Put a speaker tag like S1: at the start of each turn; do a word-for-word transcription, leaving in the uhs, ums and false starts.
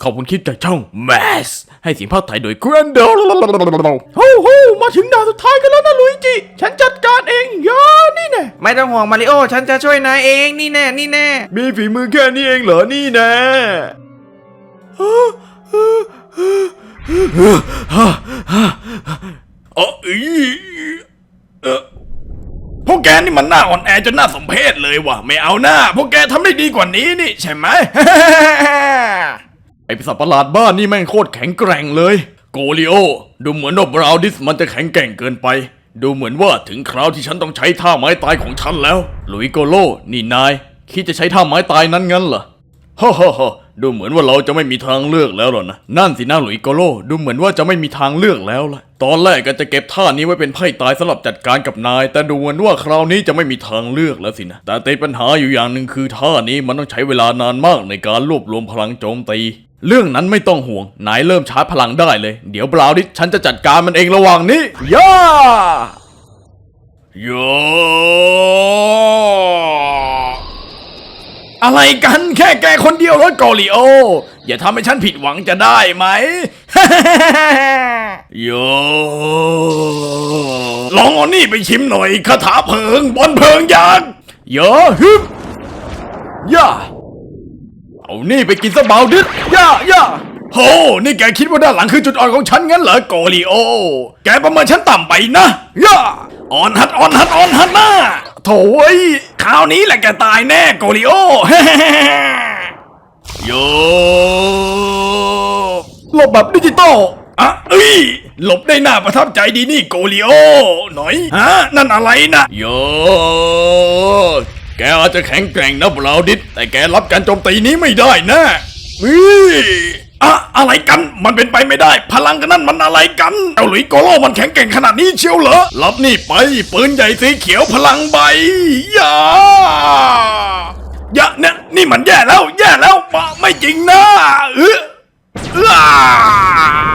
S1: ขอบคุณคลิปจากช่อง Mass ให้เสียงภาคไทยโดย Grando โอ้โหมาถึงด่านสุดท้ายกันแล้วนะลุยจิฉันจัดการเองย่านี่แน่
S2: ไม่ต้องห่วงมาริโอฉันจะช่วยนายเองนี่แน่นี่แน่
S1: มีฝีมือแค่นี้เองเหรอนี่แน่เออเออพวกแกนี่มันหน้าอ่อนแอจนน่าสมเพชเลยว่ะไม่เอาหน้าพวกแกทำได้ดีกว่านี้นี่ใช่ไหม ไอปีศาจประหลาดบ้านนี่แม่งโคตรแข็งแกร่งเลยโกลิโอดูเหมือนว่าบราวดิสมันจะแข็งแกร่งเกินไปดูเหมือนว่าถึงคราวที่ฉันต้องใช้ท่าไม้ตายของฉันแล้วลุยโกโลนี่นายคิดจะใช้ท่าไม้ตายนั้นงั้นเหรอฮ่าฮ่าฮ่าดูเหมือนว่าเราจะไม่มีทางเลือกแล้วหรอนะนั่นสินะหลุยโกโลดูเหมือนว่าจะไม่มีทางเลือกแล้วล่ะตอนแรกก็จะเก็บท่านี้ไว้เป็นไพ่ตายสำหรับจัดการกับนายแต่ดูเหมือนว่าคราวนี้จะไม่มีทางเลือกแล้วสินะแต่ติดปัญหาอยู่อย่างหนึ่งคือท่านี้มันต้องใช้เวลานานมากในการรวบรวมพลังโจมตีเรื่องนั้นไม่ต้องห่วงนายเริ่มชาร์จพลังได้เลยเดี๋ยวบราวดิสฉันจะจัดการมันเองระหว่างนี้ย่าโยอะไรกันแค่แกคนเดียวรถกอลิโออย่าทำให้ฉันผิดหวังจะได้ไหม โยลองเอานี่ไปชิมหน่อยคาถาเพลิงบนเพลิงยักษ์โยฮึบย่าเอานี่ไปกินซะเบาดิดย่าย่าโหนี่แกคิดว่าด้านหลังคือจุดอ่อนของฉันงั้นเหรอโกลิโอแกประเมินฉันต่ำไปนะย่าอ่อนหัดอ่อนหัดอ่อนหัดนะโถ่ยคราวนี้แหละแกตายแน่โกลิโอ โยหลบแบบดิจิตอลอ่ะเอ้ยหลบได้น่าประทับใจดีนี่โกลิโอหน่อยฮะนั่นอะไรนะโยแกอาจจะแข็งแกร่งนะบราวดิสแต่แกรับการโจมตีนี้ไม่ได้นะวิอะอะไรกันมันเป็นไปไม่ได้พลังกันนั่นมันอะไรกันเอาหลุยโกโลมันแข็งแกร่งขนาดนี้เชียวเหรอรับนี่ไปปืนใหญ่สีเขียวพลังใบอย่าอย่าเนี่ยนี่มันแย่แล้วแย่แล้วไม่จริงนะเออ